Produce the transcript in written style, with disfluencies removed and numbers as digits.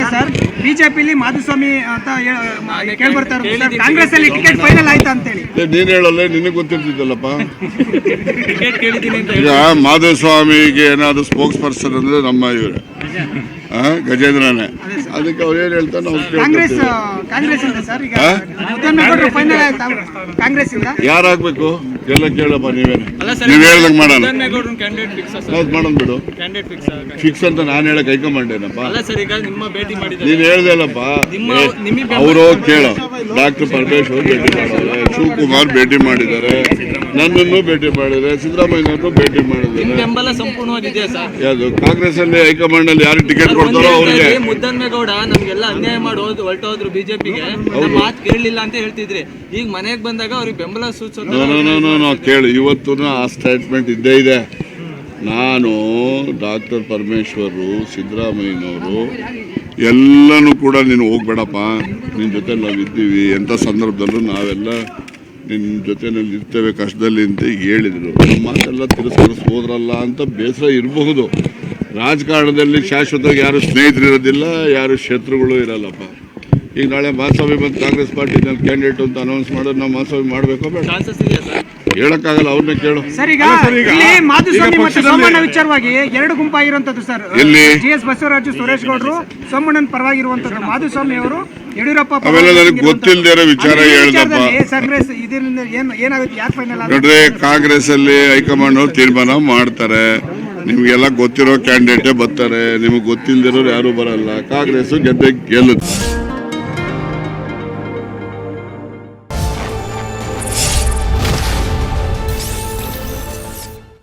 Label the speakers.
Speaker 1: Sir ಬಿಜೆಪಿಲಿ Madhuswamy ಅಂತ ಕೇಳಿ ಬರ್ತಾರೆ ಸರ್, ಕಾಂಗ್ರೆಸ್ ಅಲ್ಲಿ ಟಿಕೆಟ್ ಫೈನಲ್ ಆಯ್ತಾ ಅಂತೇಳಿ.
Speaker 2: ನೀನ್ ಹೇಳಲ್ಲ, ನಿನಗೆ ಗೊತ್ತಿರ್ತಿದ್ದಲ್ಲಪ್ಪ. ಈಗ ಮಾಧುಸ್ವಾಮಿಗೆ ಏನಾದ್ರು ಸ್ಪೋಕ್ಸ್ ಪರ್ಸನ್ ಅಂದ್ರೆ ನಮ್ಮ ಇವ್ರೆ ಗಜೇಂದ್ರನೇ. ಅದಕ್ಕೆ ಅವ್ರು ಏನ್ ಹೇಳ್ತಾರೆ ನಾವು
Speaker 1: ಕಾಂಗ್ರೆಸ್ ಇಂದ ಸರ್ ಈಗ ಮುದ್ದನ್ಮೇಗೌಡರು ಫೈನಲ್ ಆಯ್ತಾ ಕಾಂಗ್ರೆಸ್ ಇಂದ?
Speaker 2: ಯಾರಾಗ್ಬೇಕು ಎಲ್ಲ ಕೇಳಪ್ಪ, ನೀವೇನು ನೀವ್ ಹೇಳ್ದಂಗ್ ಮಾಡೋಣ ಮಾಡೋಣ ಬಿಡು. ಫಿಕ್ಸ್ ಅಂತ ನಾನು ಹೇಳಕ್ ಹೈಕಮಾಂಡೇನಪ್ಪ, ನೀನ್ ಹೇಳ್ದಲ್ಲಪ್ಪ. ಅವರು ಕೇಳೋ ಡಾಕ್ಟರ್ ಪರಮೇಶ್ವರ್ ಭೇಟಿ ಮಾಡಿದ್ದಾರೆ, ಶಿವಕುಮಾರ್ ಭೇಟಿ ಮಾಡಿದ್ದಾರೆ, ನನ್ನನ್ನು ಭೇಟಿ ಮಾಡಿದ್ದಾರೆ, ಸಿದ್ದರಾಮಯ್ಯನವರು ಭೇಟಿ ಮಾಡಿದ್ದಾರೆ.
Speaker 3: ಸಂಪೂರ್ಣವಾಗಿದೆ ಸರ್.
Speaker 2: ಯಾವುದು ಕಾಂಗ್ರೆಸ್ ಅಲ್ಲಿ ಹೈಕಮಾಂಡ್ ಅಲ್ಲಿ ಯಾರು ಟಿಕೆಟ್ ಕೊಡ್ತಾರೋ ಅವ್ರಿಗೆ.
Speaker 3: ಮುದ್ದನ್ಮೇಗೌಡ ನಮ್ಗೆಲ್ಲ ಅನ್ಯಾಯ ಮಾಡಿ ಹೊರಟೋದ್ರು ಬಿಜೆಪಿಗೆ, ಮಾತು ಕೇಳಲಿಲ್ಲ ಅಂತ ಹೇಳ್ತಿದ್ರಿ. ಈಗ ಮನೆಗೆ ಬಂದಾಗ ಅವ್ರಿಗೆ ಬೆಂಬಲ ಸೂಚಿಸೋದು
Speaker 2: ಕೇಳು. ಇವತ್ತು ಆ ಸ್ಟೇಟ್ಮೆಂಟ್ ಇದ್ದೇ ಇದೆ. ನಾನು ಡಾಕ್ಟರ್ ಪರಮೇಶ್ವರು, ಸಿದ್ದರಾಮಯ್ಯನವರು ಎಲ್ಲನೂ ಕೂಡ ನೀನು ಹೋಗ್ಬೇಡಪ್ಪ, ನಿನ್ನ ಜೊತೆ ನಾವಿದ್ದೀವಿ, ಎಂಥ ಸಂದರ್ಭದಲ್ಲೂ ನಾವೆಲ್ಲ ನಿನ್ನ ಜೊತೆನಲ್ಲಿ ಇರ್ತೇವೆ ಕಷ್ಟದಲ್ಲಿ ಅಂತ ಹೇಳಿದರು. ನಮ್ಮ ಮಾತೆಲ್ಲ ತಿರಸ್ಕರಿಸೋದ್ರಲ್ಲ ಅಂತ ಬೇಸರ ಇರಬಹುದು. ರಾಜಕಾರಣದಲ್ಲಿ ಶಾಶ್ವತವಾಗಿ ಯಾರು ಸ್ನೇಹಿತರಿರೋದಿಲ್ಲ, ಯಾರು ಶತ್ರುಗಳು ಇರಲ್ಲಪ್ಪ. ಈಗ ನಾಳೆ ಮಾಧುಸ್ವಾಮಿ ಬಂದು ಕಾಂಗ್ರೆಸ್ ಪಾರ್ಟಿನಲ್ಲಿ ಕ್ಯಾಂಡಿಡೇಟ್ ಅಂತ ಅನೌನ್ಸ್ ಮಾಡೋದು ನಾವು ಮಾಧುಸ್ವಾಮಿ ಮಾಡಬೇಕೋ ಬೇಡ ಹೇಳಕ್ಕಾಗಲ್ಲ, ಅವ್ರನ್ನೇ ಕೇಳು.
Speaker 1: ಸರ್ ಈಗ ಮಾಧುಸ್ವಾಮಿ ಮತ್ತು ಸೋಮಣ್ಣ ವಿಚಾರವಾಗಿ ಎರಡು ಗುಂಪಾಗಿರುವಂತದ್ದು ಸರ್. GS ಬಸವರಾಜು, ಸುರೇಶ್ ಗೌಡರು ಸೋಮಣ್ಣನ ಪರವಾಗಿರುವಂತದ್ದು, ಮಾಧುಸ್ವಾಮಿ ಅವರು ಯಡಿಯೂರಪ್ಪ
Speaker 2: ಅವೆಲ್ಲ ನನಗೆ ಗೊತ್ತಿಲ್ಲದೆ ಇರೋ ವಿಚಾರ ಹೇಳ್ದಪ್ಪ.
Speaker 1: ಕಾಂಗ್ರೆಸ್ ಇದರಿಂದ ಏನಾಗುತ್ತೆ, ಯಾಕೆ ಫೈನಲ್
Speaker 2: ನೋಡ್ರಿ, ಕಾಂಗ್ರೆಸ್ ಅಲ್ಲಿ ಹೈಕಮಾಂಡ್ ಅವ್ರು ತೀರ್ಮಾನ ಮಾಡ್ತಾರೆ. ನಿಮ್ಗೆಲ್ಲ ಗೊತ್ತಿರೋ ಕ್ಯಾಂಡಿಡೇಟೇ ಬರ್ತಾರೆ, ನಿಮಗೆ ಗೊತ್ತಿಲ್ಲದಿರೋರು ಯಾರು ಬರಲ್ಲ. ಕಾಂಗ್ರೆಸ್ ಗೆದ್ದೆ ಗೆಲ್ಲುತ್ತೆ.